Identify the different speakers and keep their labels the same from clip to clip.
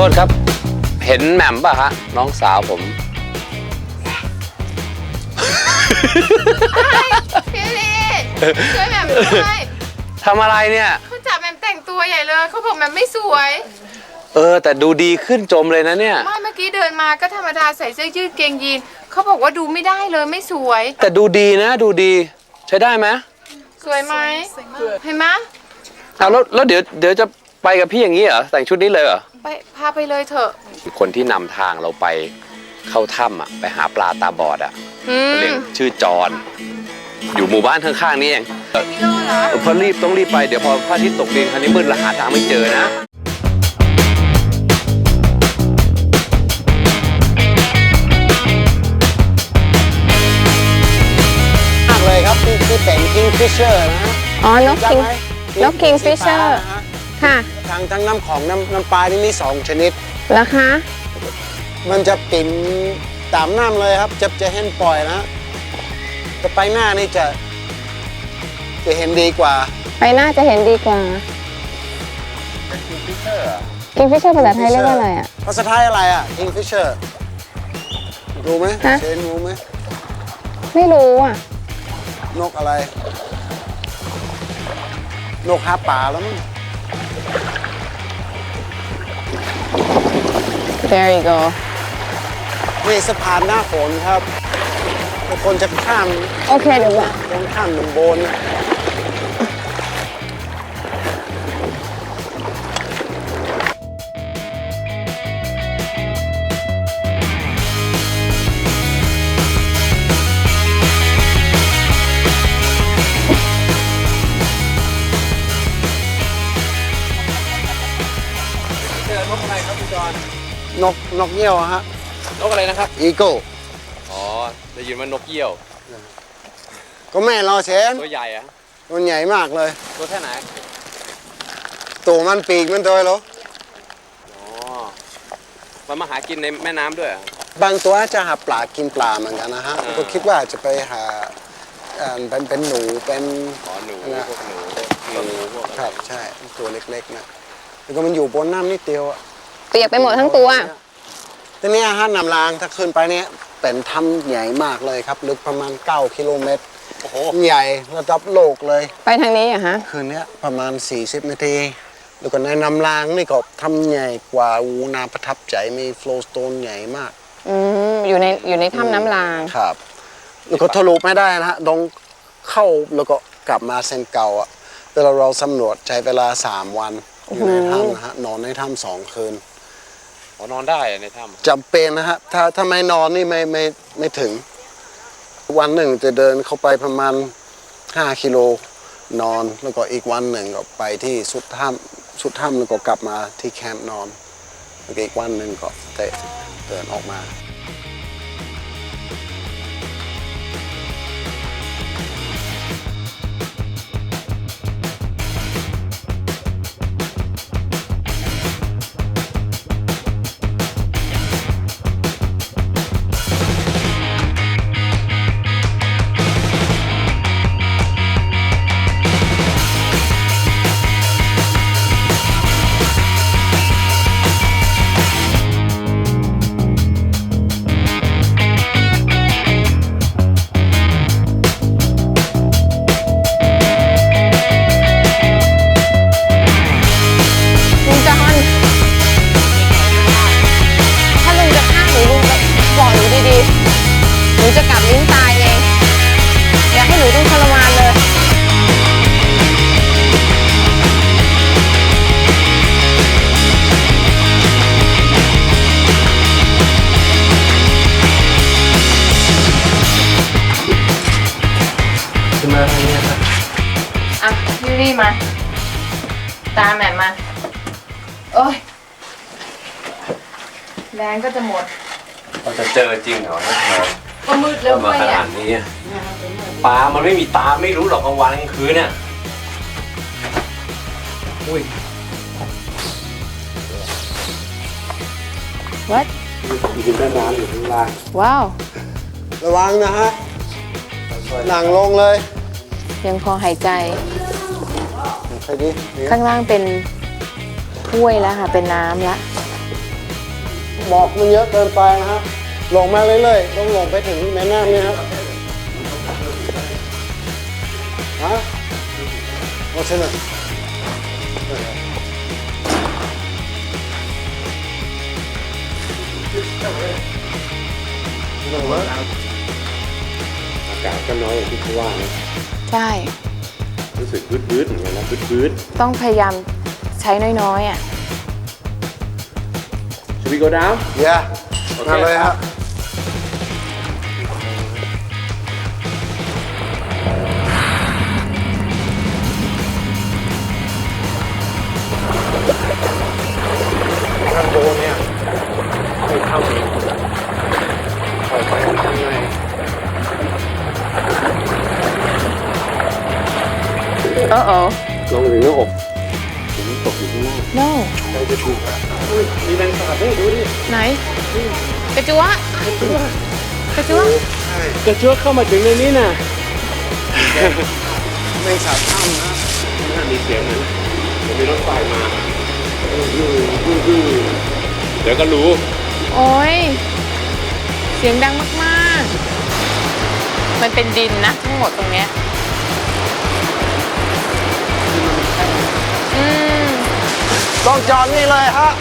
Speaker 1: ษครับเห็นแหม่มป่ะฮะน้องสาวผม
Speaker 2: พี่ลีช่วยแหม่มด้วย
Speaker 1: ทำอะไรเนี่ย
Speaker 2: เขาจับแหม่มแต่งตัวใหญ่เลยเขาบอกแหม่มไม่สวย
Speaker 1: แต่ดูดีขึ้นจมเลยนะเนี่ย
Speaker 2: ไม่เมื่อกี้เดินมาก็ธรรมดาใส่เสื้อยืดเกงยีนเขาบอกว่าดูไม่ได้เลยไม่สวย
Speaker 1: แต่ดูดีนะดูดีใช้ได้ไหม
Speaker 2: สวยไหมเห็นไหม
Speaker 1: แล้วเดี๋ยวจะไปกับพี่อย่างนี้เหรอแต่งชุดนี้เลยเหรอ
Speaker 2: ไปพาไปเลยเถอะ
Speaker 1: คนที่นำทางเราไปเข้าถ้ำไปหาปลาตาบอดเรียกชื่อจอนอยู่หมู่บ้านข้างๆนี่เอง
Speaker 2: ไม่รู้เหรอ
Speaker 1: พอต้องรีบไปเดี๋ยวพอพระอาทิตย์ตกดินคันนี้มืดและหาทางไม่เจอนะ
Speaker 3: มากเลยครับที่เป็น Kingfisher นะ
Speaker 4: อ๋อนก Kingfisher ค่ะ
Speaker 3: ทั้งน้ำของน้ำปลานี่มี2ชนิด
Speaker 4: แล้วคะ
Speaker 3: มันจะปิ่มตามน้ำเลยครับจะเห็นปล่อยนะแต่ไปหน้านี่จะเห็นดีกว่า
Speaker 4: ไปหน้าจะเห็นดีกว่า Kingfisher ภาษาไทยเรียกว่าอะไรอ่ะ
Speaker 3: ภาษาไทยอะไรอ่ะ Kingfisher รู้ไหมเชนรู้ไหม
Speaker 4: ไม่รู้อ่ะ
Speaker 3: นกอะไรนกหาปลาแล้วมั้ง
Speaker 4: There you go
Speaker 3: นี่สะพานหน้าฝนครับทุกคนจะข้าม
Speaker 4: โอเคเดี๋ยวว่า
Speaker 3: ต้องข้ามหนุ่มโบน
Speaker 1: นกอะไรครับพี่จอน
Speaker 3: นกเงี้ยวฮะ
Speaker 1: นกอะไรนะครับ
Speaker 3: อีโก้
Speaker 1: อ๋อได้ยินว่านกเยี่ยว
Speaker 3: ก็แม่รอเชน
Speaker 1: ตัวใหญ่อะ
Speaker 3: มันใหญ่มากเลย
Speaker 1: ตัวแค่ไหน
Speaker 3: ตัวมันปีกมันตัวเหรอ
Speaker 1: อ๋อมันมาหากินในแม่น้ำด้วย
Speaker 3: บางตัวจะหาปลากินปลาเหมือนกันนะฮะก็คิดว่าจะไปหาเป็นหนูเป็น
Speaker 1: หนูพวกหนูพวก
Speaker 3: ครับใช่ตัวเล็กๆนะแล้วก็มันอยู่บนน้ำนิดเดียว
Speaker 4: เปียกไปหมดทั้งตัว
Speaker 3: ทีนี้อาหารนำรางถ้าขึ้นไปเนี้ยเป็นถ้ำใหญ่มากเลยครับลึกประมาณ9 กิโลเมตร
Speaker 1: โอ้โห
Speaker 3: ใหญ่ระดับโลกเลย
Speaker 4: ไปทางนี้อะฮะ
Speaker 3: คืนนี้ประมาณ40 นาทีแล้วก็ในนำรางนี่ก็ถ้ำใหญ่กว่าน่าประทับใจมีโฟลว์สโตนใหญ่มาก
Speaker 4: อยู่ในถ้ำน้ำราง
Speaker 3: ครับแล้วก็ทะลุไม่ได้นะฮะต้องเข้าแล้วก็กลับมาเส้นเก่าอ่ะแต่เราสำรวจใช้เวลา3 วันอยู่ในถ้ำนะฮะนอนในถ้ำ2 คืน
Speaker 1: นอนได้ในถ้
Speaker 3: ำจำเป็นนะฮะถ้าไม่นอนนี่ไม่ถึงวันหนึ่งจะเดินเข้าไปประมาณ5 กิโลนอนแล้วก็อีกวันหนึ่งก็ไปที่สุดถ้ำแล้วก็กลับมาที่แคมป์นอนแล้วก็อีกวันหนึ่งก็เดินออกมา
Speaker 4: จะกลับลิ้นตายเองอยากให้หนูต้องทรมานเลย
Speaker 3: ขึ้นมาทางนี้ครับ
Speaker 2: ยูรี่มาตามแหม่มมาโอ้ยแรงก็จะหมด
Speaker 1: เราจะเจอจริงเหรอ
Speaker 2: ก็มืดแล้ว
Speaker 1: มาขนาดนี้ปลามันไม่มีตาไม่รู้หรอกกลางวันกลางคืนเนี่ยอุ้ย
Speaker 4: What
Speaker 3: อยู่ในน้ำอยู่ข้างล่าง
Speaker 4: ว้าว
Speaker 3: ระวังนะฮะหนังลงเลย
Speaker 4: ยังพอหายใจ
Speaker 3: ใครดิ
Speaker 4: ข้างล่างเป็นถ้วยแล้วค่ะเป็นน้ำละ
Speaker 3: หมอกมันเยอะเกินไปนะฮะลงมาเรื่อยๆต้องลงไปถึงแม่น้ำเนี่ยครับฮะโอ้ใช่ไหมอากาศก็น้อยอย่างที่เขาว่านะ
Speaker 4: ใช่
Speaker 3: รู้สึกบืดๆเหมือนกันนะบืด
Speaker 4: ต้องพยายามใช้น้อยๆอ่ะ
Speaker 1: Should we go down
Speaker 3: ๆเย้มาเลยครับข้างบนเนี่ยไม่เข้าเลยปล่อยไปข้างใน
Speaker 4: โอ้โอ้
Speaker 3: ลงถึงหน้าอกผมตกอยู่ข้างล่าง
Speaker 4: no
Speaker 3: ใครจะถูกอ่ะมีแมงสาบด้วยดูดิ
Speaker 4: ไหนกระจัวกระจัว
Speaker 3: กระเชือกเข้ามาถึงในนี้น่ะแมงสาบถ้ำนะน่ามีเสียงเหมือนมีรถไฟมาเดี๋ยวก็รู้
Speaker 4: โอ้ยเสียงดังมากๆ มันเป็นดินนะทั้งหมดตรงเนี้ยอืม
Speaker 3: ต้องจอดนี่เลยฮะ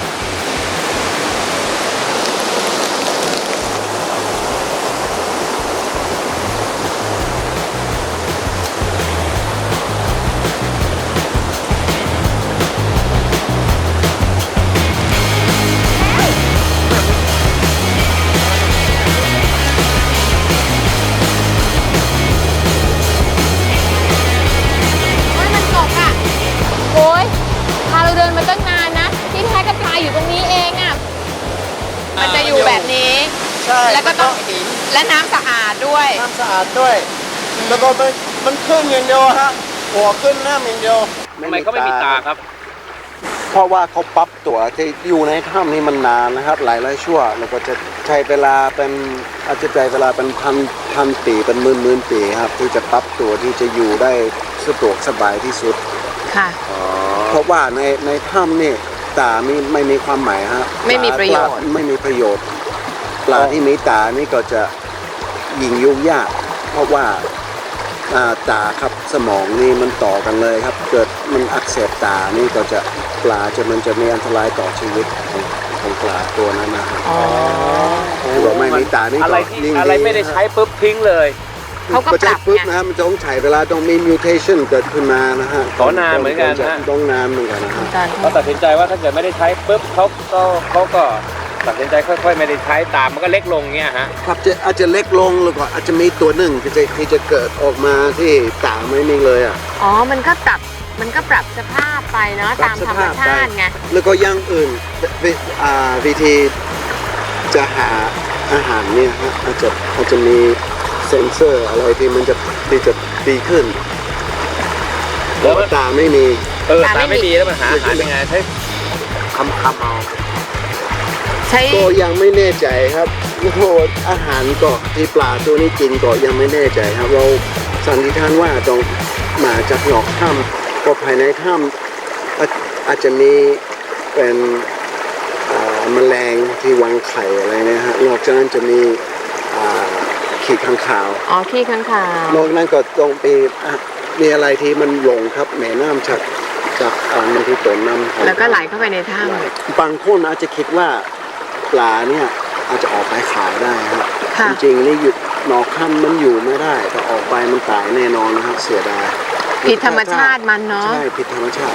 Speaker 4: มันตกอ่ะโอ้ยพาเราเดินมาตั้งนานนะ ที่แท้ก็ปลาอยู่ตรงนี้เองอ่ะ มันจะอยู่แบบนี้
Speaker 3: ใช่
Speaker 4: แล้วก็ต้องและน้ำสะอาดด้วย
Speaker 3: น้ำสะอาดด้วย แล้วก็มันขึ้นอย่างเดียวฮะหัวขึ้นน้ำอย่างเดียว
Speaker 1: ทำไมเขาไม่มีตาครับ
Speaker 3: เพราะว่าเขาปรับตัวที่อยู่ในถ้ำนี่มันนานนะครับ หลายชั่วแล้วก็จะใช้เวลาเป็นอาจจะใช้เวลาเป็นพันปีเป็นหมื่นปีครับที่จะปรับตัวที่จะอยู่ได้สะดวกสบายที่สุด
Speaker 4: ค่ะ
Speaker 3: เพราะว่าในถ้ำนี่ตาไม่มีความหมายฮะ
Speaker 4: ไม่มีประโยชน์
Speaker 3: ปลาไม่มีประโยชน์ปลาที่มีตานี่ก็จะยิงยุ่งยากเพราะว่าตาครับสมองนี่มันต่อกันเลยครับ เกิดมันอักเสบตานี่ก็จะปลามันจะมีอันตรายต่อชีวิตของปลาตัวนั้นนะครับ
Speaker 4: อ๋อ
Speaker 3: คือว่าไม่มีตานี่
Speaker 1: อะไร
Speaker 3: ก็
Speaker 1: ที่
Speaker 3: ยิ่ง
Speaker 1: อะไรไม่ได้ใช้ปุ๊บทิ้งเลย
Speaker 4: เขาก็
Speaker 3: ก็
Speaker 4: ป
Speaker 3: ใช้
Speaker 4: รับ
Speaker 3: ปุ๊บ
Speaker 4: ไง
Speaker 3: นะครับมันจะต้องใช้เวลาต้องมี mutation เกิดขึ้นมานะฮะ
Speaker 1: ขอนานเหมือนกันฮะ
Speaker 3: ต้องนานเหมือนกันนะฮะ
Speaker 1: เขาตัดสินใจว่าถ้าเกิดไม่ได้ใช้ปุ๊บเขาก็ตัดสินใจค่อยๆ ไม่ได้ใช้ตามมันก็เล็กลงเงี้ยฮะ
Speaker 3: ครับอาจจะเล็กลงแล้วก็อาจจะมีตัวหนึ่งที่จะเกิดออกมาที่ตาไม่มีเลยอ่ะ
Speaker 4: อ๋อ มันก็ปรับสภาพไปเนาะตามธรรมชาติไง
Speaker 3: แล้วก็อย่างอื่นวิธีจะหาอาหารเนี่ยฮะอาจจะมีเซ็นเซอร์อะไรที่มันจะดีขึ้น
Speaker 1: แล้วมัน
Speaker 3: ตาไม่มี
Speaker 1: ตาไม่มีแล้วมันหาอาหารยังไงใช้คำเอา
Speaker 4: ใช้
Speaker 3: ก็ยังไม่แน่ใจครับโอ้โหอาหารก็ที่ปลาตัวนี้กินก็ยังไม่แน่ใจครับเราสันนิษฐานว่าต้องมาจากนอกถ้ำก็ภายในถ้ำอาจจะมีเป็นแมลงที่วางไข่อะไรเนี่ยฮะนอกจากนั้นจะมีขีดข้างขาว
Speaker 4: อ๋อขี้ข้างคาวน
Speaker 3: อกนั้นก็ต้องมีอะไรที่มันหลงครับแม่น้ำจากมันที่ต้นน้ำของ
Speaker 4: แล้วก็ไหลเข้าไปในถ้
Speaker 3: บางคนอาจจะคิดว่าปลาเนี่ยอาจจะออกไปขายได้ครับ
Speaker 4: ำค่ะ
Speaker 3: จริงๆนี่อยู่นอกถ้ำมันอยู่ไม่ได้แต่ออกไปมันตายแน่นอนนะครับเสียดาย
Speaker 4: ผิดธรรมชาติมันเนาะ
Speaker 3: ใช่ผิดธรรมชาติ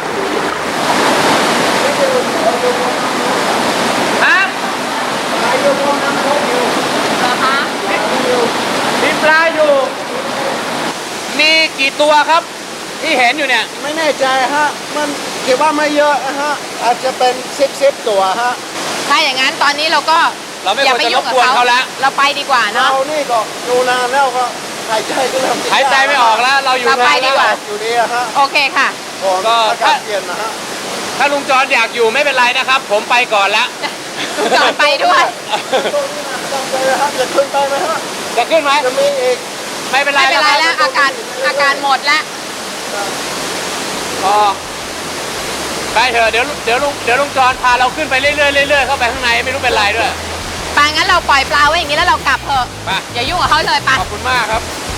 Speaker 1: ฮะ
Speaker 4: นะคะ
Speaker 1: มีปลาอยู่ มีกี่ตัวครับที่เห็นอยู่เนี่ย
Speaker 3: ไม่แน่ใจฮะมันคิดว่าไม่เยอะนะฮะอาจจะเป็น10ตัวฮะ
Speaker 4: ถ้าอย่างนั้นตอนนี้เราก็
Speaker 1: เราไม่
Speaker 4: อย่า
Speaker 1: ควร
Speaker 4: ไป
Speaker 1: จะร
Speaker 4: ยุ่ง
Speaker 1: บ
Speaker 4: กับ
Speaker 1: กวน
Speaker 4: เขา
Speaker 1: เขาแล้ว
Speaker 4: เราไปดีกว่า
Speaker 3: เรา
Speaker 4: เนาะ
Speaker 3: นี่ก็ดูนานแล้วก็หายใจก็เริ่มติ
Speaker 1: หายใจไม่ออกแล้ว เราอยู่
Speaker 4: เราไป
Speaker 1: นาน
Speaker 4: ดี
Speaker 1: แล้ว
Speaker 4: กว่า
Speaker 3: อยู่ดีอะฮะ
Speaker 4: โอเคค่ะ
Speaker 3: ก็อากาศเย็นนะฮะ
Speaker 1: ถ้าลุงจอนอยากอยู่ไม่เป็นไรนะครับ ผมไปก่อนแล้ว
Speaker 4: จอดไปด้วย
Speaker 3: ตรงนี้นะจำใจนะฮะจะขึ้นไปไหมฮะ
Speaker 1: จะขึ้นไหม
Speaker 3: จะมีอีก
Speaker 1: ไม่เป็นไร
Speaker 4: ไม่เป็นไร
Speaker 1: ค
Speaker 4: แล้
Speaker 1: บ
Speaker 4: วอาการหมดแล้ว
Speaker 1: พอไปเถอะเดี๋ยวลุงจอนพาเราขึ้นไปเรื่อยๆเข้าไปข้างในไม่รู้เป็นไรด้วย
Speaker 4: ไปงั้นเราปล่อยปลาไว้อย่างนี้แล้วเรากลับเถอะ
Speaker 1: ไป
Speaker 4: อย่ายุ่งกับเขาเลยไป
Speaker 1: ขอบคุณมากครับ
Speaker 4: ไ